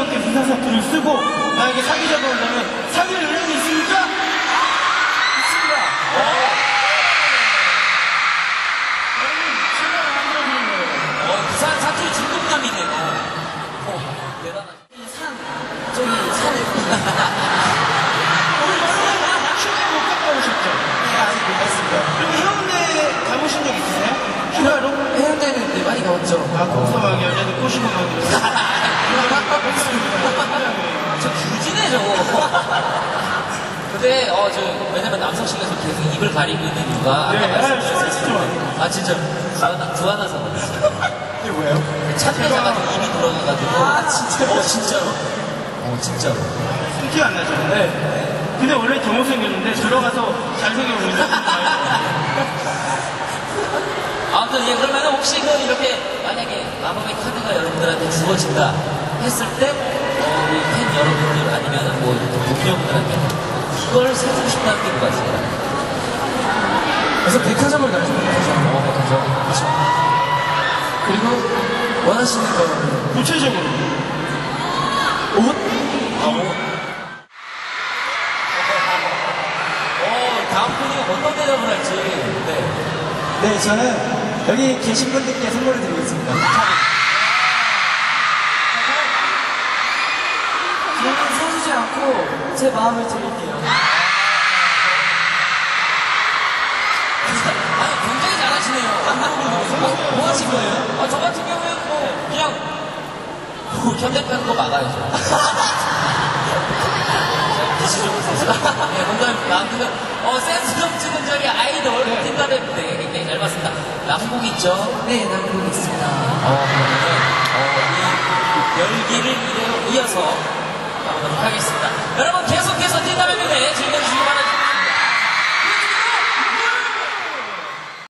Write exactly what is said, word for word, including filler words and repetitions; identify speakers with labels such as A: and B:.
A: 이렇게 비상사투를 쓰고 나에게 사귀자고 한다면 사귈 의향이 있습니까?
B: 있습니다.
A: 여러분, 제가 만들어주는 거예요.
B: 어, 부산 사투리 중독남이네요. 어, 대단하다. 산, 저기 산에.
A: 오늘 여러분, 휴가 못 갔다 오셨죠?
B: 네, 아직 못 갔습니다.
A: 그리고 해운대 가보신 적 있으세요? 휴가로?
B: 해운대는 네, 많이 가봤죠.
A: 아, 거기서 막 여자들 꼬시고 막 이러세요.
B: 저 규지네, 저거. 근데, 어, 저, 왜냐면 남성실에서 계속 입을 가리고 있는 이유가.
A: 네,
B: 아까
A: 아,
B: 말씀드렸어요.
A: 진짜.
B: 아, 진짜. 구하나, 구하나서.
A: 이게 뭐예요?
B: 찾는 가지고 입이 돌아가가지고. 아, 진짜요? 어, 진짜로. 어, 진짜로.
A: 티 안 나죠? 네. 근데 원래 더 못생겼는데 들어가서 잘생겨 보이는데
B: 아무튼, 예, 그러면 혹시 그 이렇게 만약에 마법의 카드가 여러분들한테 주어진다 했을 때, 어, 우리 팬 여러분들 아니면 뭐, 동료분들한테 이걸 사주고 싶다는 게 뭐가 있을까요?
C: 그래서 백화점을 가죠, 백화점.
B: 어, 백화점. 그렇죠.
C: 그리고 원하시는 거.
A: 구체적으로
C: 옷?
B: 아, 오. 어, 다음 분이 어떤 대답을 할지. 네.
C: 네, 저는 여기 계신 분들께 선물을 드리고 있습니다. 저는 사주지 않고 제 마음을 드릴게요.
B: 아니, 굉장히 잘하시네요. 뭐, 뭐 하신 거예요? 아, 저 같은 경우에는 뭐, 그냥, 뭐, 현대하는 거 막아야죠. 빛이 좀 있어서. 네, 농담입니다. 아무튼, 어, 센스 넘치는 저기 아이돌 팀가대인데 굉장히 잘 봤습니다. 남곡 있죠?
C: 네, 남고 있습니다.
B: 어, 그러면, 어, 이 열기를 이대로 이어서 가보도록 하겠습니다. 여러분, 계속해서 팀가대 무대 즐겨주시기